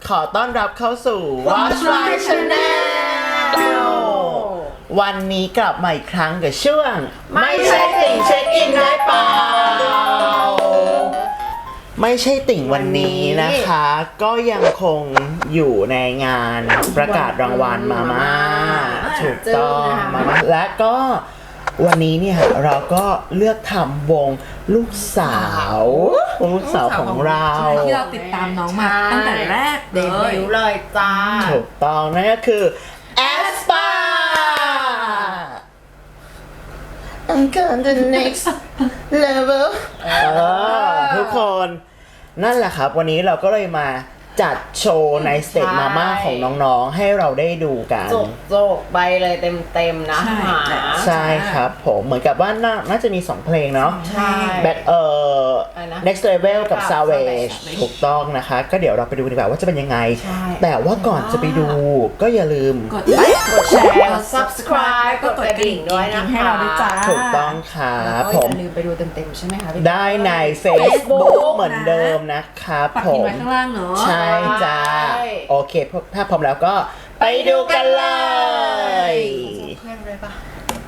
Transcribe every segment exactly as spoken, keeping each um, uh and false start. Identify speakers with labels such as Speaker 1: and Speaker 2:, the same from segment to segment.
Speaker 1: ขอต้อนรับเข้าสู่ Watch My Channel วันนี้กลับมาอีกครั้งกับช่วงไม่ใช่ติ่งเช็คอินได้เปล่าไม่ใช่ติ่งวันนี้นะคะ ก็ยังคงอยู่ในงานประกาศรางวัลมาม่าถูกต้องมาม่าและก็วันนี้เนี่ยเราก็เลือกทำวงลูกสาววงลูกสาวของเรา
Speaker 2: ที่เราติดตามน้องมาตั้งแต่แรกเดบิวต์เลยจ้า
Speaker 1: ถูกต้องนั่นก็คือแอสปา I'm going to the next level ทุกคนนั่นแหละครับวันนี้เราก็เลยมาจัดโชว์ในสเตจมาม่าของน้องๆให้เราได้ดูกัน
Speaker 3: โจกๆไปเลยเต็มๆนะ
Speaker 1: ใช่ครับผมเหมือนกับว่าน่าน่าจะมีสองเพลงเนาะ
Speaker 3: ใช่
Speaker 1: แบ็คเอ่อ next level กับ savage ถูกต้องนะคะก็เดี๋ยวเราไปดูดีกว่าว่าจะเป็นยังไงแต่ว่าก่อนจะไปดูก็อย่าลืม
Speaker 2: กดไลค์กดแชร์กด
Speaker 3: subscribe กดกระดิ่งด้วยนะคะ
Speaker 2: ให้เราด้วยจ้า
Speaker 1: ถูกต้องครับผม
Speaker 3: อย่าลืมไปดูเต็มๆใช่ไหมคะ
Speaker 1: ได้ใน Facebook เหมือนเดิมนะครับผม
Speaker 2: ปักพิมพ์ไว้ข้างล่างเนาะ
Speaker 1: ใช่จ้าโอเคถ้าพร้อมแล้วก็ไปดูกันเลย
Speaker 3: เพื่อนเลยปะ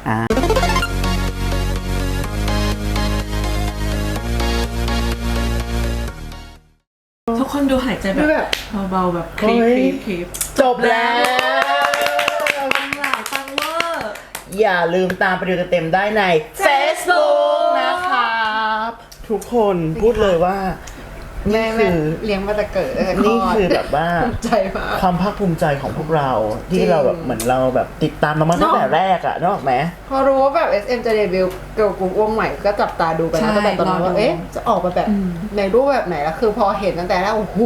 Speaker 2: ทุกคนดูหายใจแบบเบาๆแบบคลิปคลิปคลิป
Speaker 1: จบแล้ว
Speaker 2: ฟังหลายฟังเวอร์
Speaker 1: อย่าลืมตามไปดูเต็มๆได้ใน Facebook นะครับทุกคนพูดเลยว่า
Speaker 3: แม่คือเลี้ยงมาแต่เกิด
Speaker 1: นี่คือแบบว่า
Speaker 3: ใจมาก
Speaker 1: ความภาคภูมิใจของพวกเราที่เราแบบเหมือนเราแบบติดตามมาตั้งแต่แรกอะนึกออกไหม
Speaker 3: พอรู้ว่าแบบ เอส เอ็ม จะเดบิวต์เกิร์ลกรุ๊ปวงใหม่ก็จับตาดูกันตั้งแต่ตอนนั้นว่าเอ๊ะจะออกมาแบบในรูปแบบไหนแล้วคือพอเห็นตั้งแต่แรกโอ้โห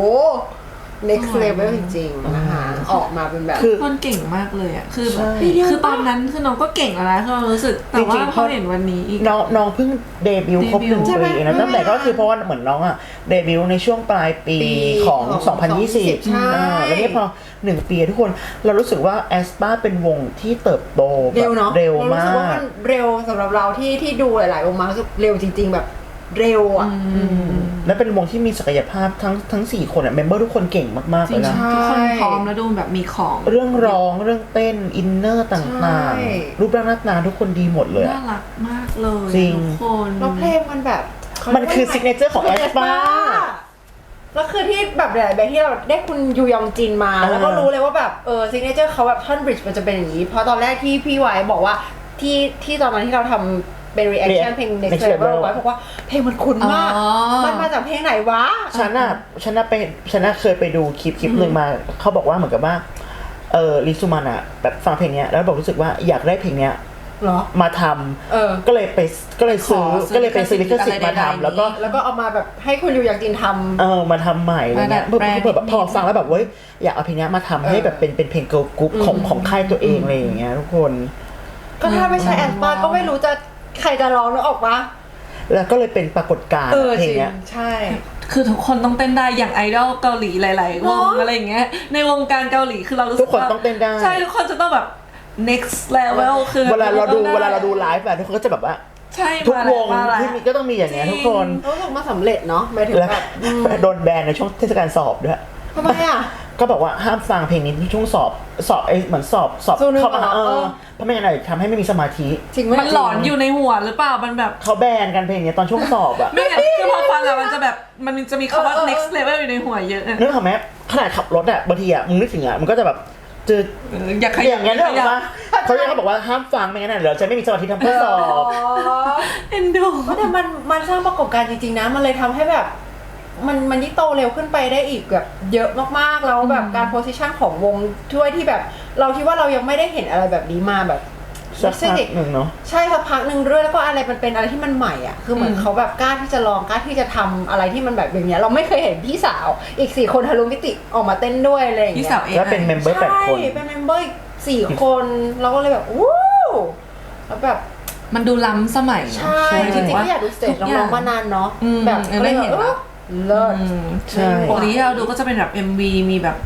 Speaker 3: next level จริงๆนะคะออกมาเป็นแบบ
Speaker 2: คนเก่งมากเลยอ่ะคือแบบคือตอนนั้นคือน้องก็เก่งแล้วนะคือเรารู้สึกแต่ว่าพอเห็นวันนี้อีก
Speaker 1: น้องน้องเพิ่งเดบิวต์ครบหนึ่งปีนะตั้งแต่ก็คือเพราะว่าเหมือนน้องอ่ะเดบิวต์ในช่วงปลายปีของสองพันยี่สิบแล้วนี่พอหนึ่งปีทุกคนเรารู้สึกว่าแอสปาเป็นวงที่เติบโตแบบเร็วมากรู้สึกว่ามัน
Speaker 3: เร็วสำหรับเราที่ที่ดูหลายๆวงมารู้สึกเร็วจริงๆแบบเร็วอ่ะ
Speaker 1: และเป็นวงที่มีศักยภาพทั้งทั้งสี่คนอ่ะเมมเบอร์ทุกคนเก่งมากๆเลยนะ
Speaker 2: ทุกคนพร้อมแล้วดูแบบมีของ
Speaker 1: เรื่องร้องเรื่องเต้นอินเนอร์ต่างๆรูปร่างหน้าตาทุกคนดีหมดเลย
Speaker 2: น่ารักมากเลย
Speaker 1: จริง
Speaker 2: ทุกคน
Speaker 3: แล้วเพลงมันแบบ
Speaker 1: มันคือซิกเนเจอร์ของแอสปา
Speaker 3: แล้วคือที่แบบหลายๆแบบที่เราได้คุณยูยองจินมาแล้วก็รู้เลยว่าแบบเออซิกเนเจอร์เขาแบบท่อนบริดจ์มันจะเป็นอย่างนี้เพราะตอนแรกที่พี่ไว้บอกว่าที่ที่ตอนนั้นที่เราทำเป็น reaction เพลง next level ไว้บอกว่าเพลงมันคุ้นมากมันมาจากเพลงไหนวะ
Speaker 1: ฉันน่ะฉันน่ะไปฉันน่ะเคยไปดูคลิปคลิปหนึ่งมาเขาบอกว่าเหมือนกับว่าเออลิซูมันอ่ะแบบฟังเพลงเนี้ยแล้วบอกรู้สึกว่าอยากได้เพลงเนี้ยมาทำก็เลยไปก็เลยซื้อก็เลยไปซื้อลิขสิทธิ์มาทำแล้วก็
Speaker 3: แล้วก็เอามาแบบให้คุณยูยองจินทำ
Speaker 1: เออมาทำใหม่อะไรเงี้ยเพื่อแบบพอฟังแล้วแบบเว้ยอยากเอาเพลงนี้มาทำให้แบบเป็นเป็นเพลงเกิร์ลกรุ๊ปของของค่ายตัวเองอะไรอย่างเงี้ยทุกคน
Speaker 3: ก็ถ้าไม่ใช่แอสปาก็ไม่รู้จะใครจะร้องนึกออกปะ
Speaker 1: แล้วก็เลยเป็นปรากฏการณ์เพลงเนี้ย
Speaker 3: ใช่
Speaker 2: คือทุกคนต้องเต้นได้อย่างไอดอลเกาหลีหลายๆวงอะไรอย่างเงี้ยในวงการเกาหลีคือเรารู้สึก
Speaker 1: ทุกคนต้องเต้นได้
Speaker 2: ใช่ทุกคนจะต้องแบบ next level คือ
Speaker 1: เวลาเราดูเวลาเราดูไลฟ์แบบทุกคนก็จะแบบว่า
Speaker 2: ใช่
Speaker 1: ทุกวงที่มีก็ต้องมีอย่างเงี้ยทุกคน
Speaker 3: รู้สึกมาสำเร็จเนาะหมายถึงแบบ
Speaker 1: โดนแบนในช่วงเทศกาลสอบด้วย
Speaker 3: ทำไมอ่ะ
Speaker 1: ก็บอกว่าห้ามฟังเพลงนี้ช่วงสอบสอบไอเหมือนสอบสอบเข้ามาเออเพราะไม่งั้นอะไรทำให้ไม่มีสมาธิ
Speaker 2: มันหลอนอยู่ในหัวหรือเปล่ามันแบบ
Speaker 1: เขาแบนกันเพลงนี้ตอนช่วงสอบอะ
Speaker 2: ไม่งั้นคือพอฟังอะมันจะแบบมันจะมีคำว่า next level อยู่ในหัวเยอะ
Speaker 1: นึกออกไหมขนาดขับรถอะบางทีอะมึงนึกถึงอะมันก็จะแบบเจอ
Speaker 2: อยากขยับ
Speaker 1: อย่างเงี้ยนึกออกปะเขาเรียกเขาบอกว่าห้ามฟังไม่งั้นเดี๋ยวจะไม่มีสมาธิทำเพื่อสอบ
Speaker 2: เอ็นดู
Speaker 3: แต่มันมันสร้างประกบการจริงๆนะมันเลยทำให้แบบมันมันยิ่งโตเร็วขึ้นไปได้อีกแบบเยอะมากๆแล้วแบบการโพสิชันของวงช่วยที่แบบเราคิดว่าเรายังไม่ได้เห็นอะไรแบบนี้มาแบบ
Speaker 1: สักพักหนึ่งเนาะ
Speaker 3: ใช่สักพักหนึ่งด้วยแล้วก็อะไรมันเป็นอะไรที่มันใหม่อ่ะคือเหมือนเขาแบบกล้าที่จะลองกล้าที่จะทำอะไรที่มันแบบอย่างเงี้ยเราไม่เคยเห็นพี่สาวอีกสี่คนทะลุมิติออกมาเต้นด้วยอะไรอย่างเงี้ย
Speaker 2: พี่สาวเอง
Speaker 1: แล้วเป็นเมมเบอร์แปดคน
Speaker 3: ใช่เป็นเมมเบอร์สี่คนเราก็เลยแบบวู้แล้วแบบ
Speaker 2: มันดูล้ำสมัย
Speaker 3: ใช่จริงๆก็อยากดูสเตจน้องๆมานานเนาะแบบ
Speaker 2: ไม่เห็น
Speaker 3: เลิศ
Speaker 1: ใช่
Speaker 2: ปกติที่เราดูก็จะเป็นแบบ เอ็ม วี มีแบบ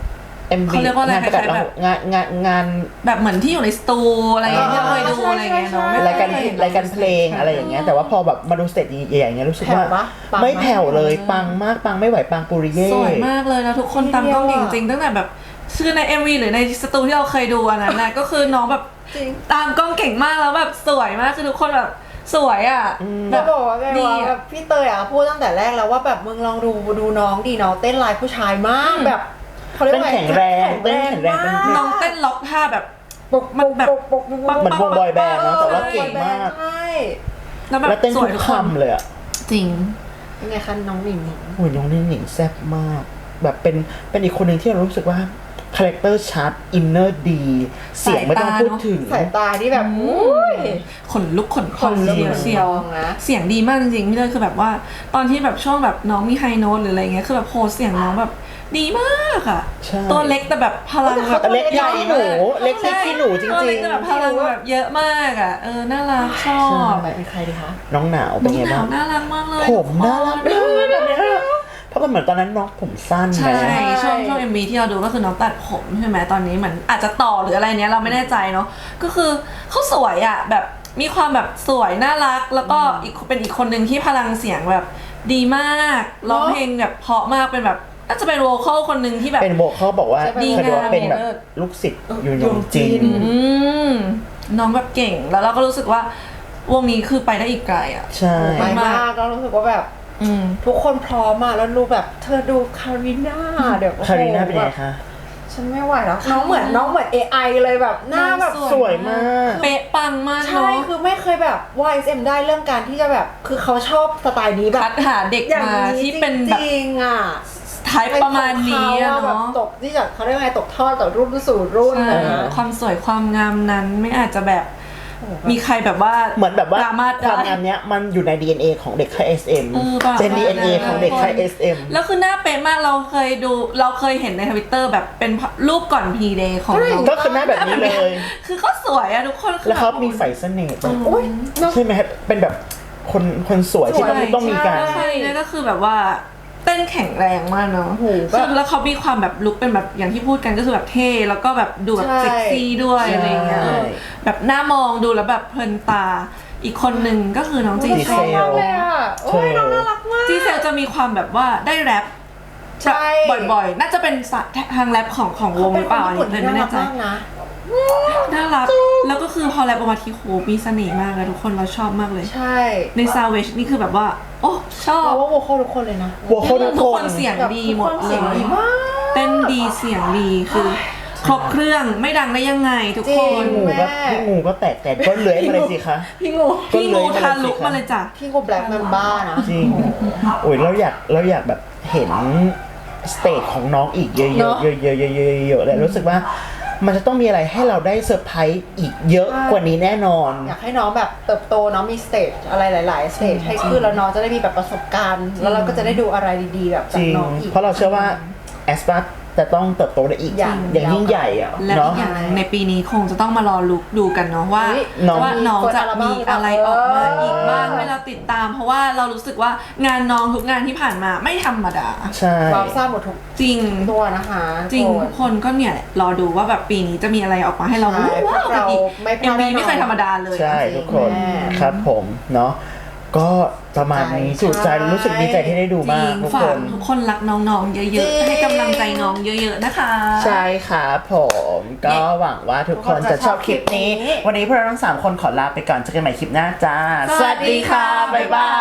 Speaker 1: เอ็ม วี
Speaker 2: เขาเรียกว่าอะไร
Speaker 1: งานประกาศ
Speaker 2: คล้ายๆแบบ
Speaker 1: งานงานงาน
Speaker 2: แบบเหมือนที่อยู่ในสตูอะไรอย่างเงี้ยที่เราเคยดู
Speaker 3: ใช่
Speaker 2: อะไรอย่างเงี้ยเนาะ
Speaker 3: ใช่
Speaker 2: ไม่
Speaker 1: รายการ
Speaker 2: เคยเห็น
Speaker 1: รายการเพลงอะไรอย่างเงี้ยแต่ว่าพอแบบมาดูสเตจใหญ่ๆอย่างเงี้ยรู้สึกว่า
Speaker 3: แผ่วปะปัง
Speaker 1: ไม่
Speaker 3: มาก
Speaker 1: แผ่วเลยปังมากปังไม่ไหวปังปุริเย่
Speaker 2: สวยมากเลยแล้วทุกคนตามกล้องเก่งจริงตั้งแต่แบบคือใน เอ็ม วี หรือในสตูที่เราเคยดูอันนั้นนะ ก็คือน้องแบบ
Speaker 3: จริง
Speaker 2: ตามกล้องเก่งมากแล้วแบบสวยมากคือทุกคนแบบสวยอ่ะ
Speaker 3: จะบอกว่าไง
Speaker 2: ดี
Speaker 3: ว่าแบบพี่เตยอ่ะพูดตั้งแต่แรกแล้วว่าแบบมึงลองดูดูน้องดีน้องเต้นลายผู้ชายมากแบบเขาเรียกว่า
Speaker 1: เต้นแข็งแรงเต้นแข็งแรงเป็น
Speaker 2: น้องเต้นล็อกท่าแบบ
Speaker 3: ปก
Speaker 2: มันแบบ
Speaker 3: ปกปกปกปก
Speaker 1: เหมือนวงบอยแบนด์เนอะแต่ว่าเก่งมาก
Speaker 3: ใช่
Speaker 2: แล้วแบบ
Speaker 1: แล้วเต้น
Speaker 2: ส
Speaker 1: ทุ
Speaker 2: วย
Speaker 1: ก
Speaker 2: ทุกคน
Speaker 1: คำเลยอ่ะ
Speaker 2: จริง
Speaker 3: เป็นไงคะน้องหนิงหนิง
Speaker 1: โอ้ยน้องนิ่งหนิงแซ่บมาก แบบเป็นเป็นอีกคนหนึ่งที่เรารู้สึกว่าคาแรคเตอร์ชัดอินเนอร์ดี เสียงไม่ต้องพูดถึง
Speaker 3: สายตาที่แบบอุ้ย
Speaker 2: ขนลุกขนพอง
Speaker 3: ขนลุก
Speaker 2: เชียวเชียว
Speaker 3: ขนพองนะ
Speaker 2: เสียงดีมากจริงๆพี่เลยคือแบบว่า ตอนที่แบบช่วงแบบน้องมีไฮโน้ตหรืออะไรเงี้ยคือแบบโหเสียงน้องแบบดีมากอ่ะ
Speaker 1: ใช่
Speaker 2: ตัวเล็กแต่แบบพลังแบบ
Speaker 1: เล็กใหญ่หนูเล็กที่ขี้หนูจ
Speaker 2: ตัว
Speaker 1: ริ
Speaker 2: เล็
Speaker 1: ง
Speaker 2: กแต่แบบพลังแบบเยอะมากอ่ะเออน่ารักชอบ
Speaker 3: ไปเป็นใครดีคะ
Speaker 1: ๆ น้องหนาวเป็
Speaker 2: น้
Speaker 1: น
Speaker 2: อง
Speaker 1: ไง
Speaker 2: หนา
Speaker 1: บ้าว ง
Speaker 2: น่ารักมากเลย
Speaker 1: ผมน่ารักมากแบบเนี้ยเพราะมันเหมือนตอนนั้นน้องผมสั้น
Speaker 2: ใช่
Speaker 1: นะ
Speaker 2: ช่วงช่วงเอ็มวีที่เราดูก็คือน้องตัดผมใช่ไหมตอนนี้เหมือนอาจจะต่อหรืออะไรเนี้ยเราไม่แน่ใจเนาะก็คือเขาสวยอ่ะแบบมีความแบบสวยน่ารักแล้วก็อีกเป็นอีกคนหนึ่งที่พลังเสียงแบบดีมากร้องเพลงแบบเพราะมากเป็นแบบน่าจะเป็นโวคอลคนหนึ่งที่แบบ
Speaker 1: เป็นโบเขาบอกว่า
Speaker 2: ดี
Speaker 1: เขาดูว่าเป็นแบบ
Speaker 2: งาม
Speaker 1: ลูกศิษย์ยูยงจิน
Speaker 2: อืมน้องแบบเก่งแล้วเราก็รู้สึกว่าวงนี้คือไปได้อีกไกลอ่ะ
Speaker 1: ใช่
Speaker 3: ไปมากแล้วรู้สึกว่าแบบ
Speaker 2: อืม
Speaker 3: ทุกคนพร้อมอ่ะแล้วรู้แบบเธอดูคาริน่าเดี๋ยวโอ้โห
Speaker 1: คาริน่าเป็นไง
Speaker 3: แบบ
Speaker 1: คะ
Speaker 3: ฉันไม่ไหวแล้วน้องเหมือนน้องเหมือน เอ ไอ เลยแบบหน้าแบบ
Speaker 1: สวยมาก
Speaker 2: เป๊ะปังมาก
Speaker 3: ใช่
Speaker 2: เนาะ
Speaker 3: คือไม่เคยแบบว่า เอส เอ็ม ได้เรื่องการที่จะแบบคือเขาชอบสไตล์นี้แบบ
Speaker 2: คัดหาเด็ก
Speaker 3: อย่าง
Speaker 2: มา
Speaker 3: นี้
Speaker 2: ที่เป็นแบบ
Speaker 3: จริงๆอ่ะ
Speaker 2: ไทป์ประมาณนี้อะ
Speaker 3: แบบ
Speaker 2: เนาะ
Speaker 3: ตกที่จากเขาเรียกว่าไงตกทอดต่อรุ่นสู่รุ่น
Speaker 2: ใช่
Speaker 3: นะ
Speaker 2: ความสวยความงามนั้นไม่อาจจะแบบมีใครแบบว่า
Speaker 1: เหมือนแบบว่า
Speaker 2: ดราม่า
Speaker 1: ความ
Speaker 2: ได้
Speaker 1: งามเนี้ยมันอยู่ใน ดี เอ็น เอ ของเด็กค่าย เอส เอ็ม
Speaker 2: เออป่ะ
Speaker 1: เป็น ดี เอ็น เอ ของเด็กค่าย เอส เอ็ม
Speaker 2: แล้วคือหน้าเป๊ะมากเราเคยดูเราเคยเห็นในทวิตเตอร์แบบเป็นรูปก่อนพีเดย์ของน้อง
Speaker 1: ก็คือหน้าแบบนี้เลย
Speaker 2: คือเขาสวยอะทุกคนคือ
Speaker 1: แล้วเขา
Speaker 2: บบ
Speaker 1: มีไฟเสน่ห์แบบ
Speaker 3: โอ้ยเนอะ
Speaker 1: ใช่ไหมครับเป็นแบบคนคนสวยที่ต้อง
Speaker 3: สวย
Speaker 1: ต้องมีการ
Speaker 3: ใช่
Speaker 2: ใช่แล้วก็คือแบบว่าเต้นแข็งแรงมากเนาะ
Speaker 3: โอ้โหแบบ
Speaker 2: ซึ่งแล้วเขามีความแบบลุคเป็นแบบอย่างที่พูดกันก็คือแบบเท่แล้วก็แบบดูแบบ
Speaker 3: ใช่
Speaker 2: เซ็กซี่ด้วย
Speaker 1: ใช่
Speaker 2: อะไรเงี้ยเออแบบหน้ามองดูแล้วแบบเพลินตาอีกคนหนึ่งก็คือน้องจี
Speaker 1: ดี
Speaker 2: เซ
Speaker 1: เซ
Speaker 2: ล
Speaker 1: ล
Speaker 3: เลยอ่ะโอ้ยน้องน่ารักมาก
Speaker 2: จีเซลจะมีความแบบว่าได้แรป
Speaker 3: ใช่
Speaker 2: แบบบ่อยๆ น่าจะเป็นสะทางแรปของของวงหรือเปล่าอันนี้เลยไม่แน่ใจ
Speaker 3: มากนะ
Speaker 2: น่ารักแล้วก็คือพอแรปออกมาทีโหมีเสน่ห์มากเลยทุกคนเราชอบมากเลย
Speaker 3: ใช่
Speaker 2: ในซาวเวชนี่คือแบบว่า โอ้ชอบ
Speaker 3: เราว่าโวคอลทุกคนเลยนะ
Speaker 1: โวคอล
Speaker 2: ทุกคนเสียง
Speaker 3: แบบ
Speaker 2: ดี
Speaker 3: ทุก
Speaker 2: หม
Speaker 3: ค
Speaker 2: ด
Speaker 3: น
Speaker 2: เล
Speaker 3: เสียงดี
Speaker 2: ย
Speaker 3: มาก
Speaker 2: เต้นดีเสียงดีคือครบเครื่องไม่ดังได้ยังไงทุก
Speaker 3: จริ
Speaker 2: ค
Speaker 3: ง
Speaker 2: น
Speaker 1: งูก็พี่งูก็แตกแต่ก็เลื้อยมาเลยสิคะ
Speaker 3: พี่งู
Speaker 1: ก็
Speaker 2: พี่
Speaker 1: เล
Speaker 2: งู
Speaker 1: ยมาเลยสิ
Speaker 2: ทาลุก
Speaker 1: ครับ
Speaker 2: มาเลยจ้ะ
Speaker 3: พี่งูแบล็กแมนบ้านะ
Speaker 1: จริงโอ้ยเราอยากเราอยากแบบเห็นสเตจของน้องอีกเยอะๆเยอะๆเยอะๆเยอะๆเยอะๆเลยรู้สึกว่ามันจะต้องมีอะไรให้เราได้เซอร์ไพรส์อีกเยอะกว่านี้แน่นอน
Speaker 3: อยากให้น้องแบบเติบโตน้องมีสเตจอะไรหลายๆสเตจให้ขึ้นแล้วน้องจะได้มีแบบประสบการณ์ แล้วเราก็จะได้ดูอะไรดีๆแบบ
Speaker 1: จ
Speaker 3: จาก
Speaker 1: ริง
Speaker 3: น้องอีก
Speaker 1: เพราะเราเชื่อว่าแอสปาจะต้องเติบโตได้อีก
Speaker 3: อย่าง
Speaker 1: อย่างยิ่งใหญ่อะ
Speaker 2: และ
Speaker 1: เนาะ
Speaker 2: อีกอย่างหนึ่งในปีนี้คงจะต้องมารอลุกดูกันเนาะว่า
Speaker 3: เฮ้ย
Speaker 1: น้อง
Speaker 2: ว่าน้องจะมีอะไรออกมาอีกบ้าง
Speaker 3: เออ
Speaker 2: ให้เราติดตาม เพราะว่าเรารู้สึกว่างานน้องทุกงานที่ผ่านมาไม่ธรรมดา
Speaker 1: ใช่
Speaker 3: วาวทราบหมดทุก
Speaker 2: จริง
Speaker 3: ตัวนะคะ
Speaker 2: จริง
Speaker 3: โก
Speaker 2: ทุกคนก็เนี่ยแหละรอดูว่าแบบปีนี้จะมีอะไรออกมาให้เรา
Speaker 3: ใช่
Speaker 2: ว้าวกันอีก
Speaker 3: ไม่พ
Speaker 2: เอ็
Speaker 3: ลาม ดแน่
Speaker 2: วี
Speaker 3: นอน
Speaker 2: ไม่เคยธรรมดาเลย
Speaker 1: ใช่
Speaker 2: จริง
Speaker 1: ทุกคน
Speaker 3: แม่
Speaker 1: ครับผมเนาะก็ประมาณนี้
Speaker 3: ใช่
Speaker 1: สุดใจรู้สึกดีใจที่ได้ดู
Speaker 2: จริ
Speaker 1: มาก
Speaker 2: ง
Speaker 1: ทุก
Speaker 2: ฝา
Speaker 1: ค
Speaker 2: ก
Speaker 1: น
Speaker 2: ทุกคนรักน้องๆ เย
Speaker 3: จริ
Speaker 2: อะ
Speaker 3: ง
Speaker 2: ๆ ให้กำลังใจน้องเยอะๆ นะคะ
Speaker 1: ใช่ครับผมก็หวังว่าทุกคนจะชอบคลิปนี้ วันนี้พวกเราทั้งสามคนขอลาไปก่อนเจอกันใหม่คลิปหน้าจ้า
Speaker 2: สวัสดีค่ะ
Speaker 1: บ๊ายบาย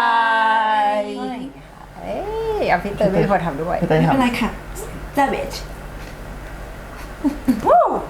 Speaker 3: เอ้ยเอาพี่เตยไม่พอทำด้วย
Speaker 1: พี่เต้ย
Speaker 2: ไม่
Speaker 1: ทำ
Speaker 2: เป็นไรค่ะ savage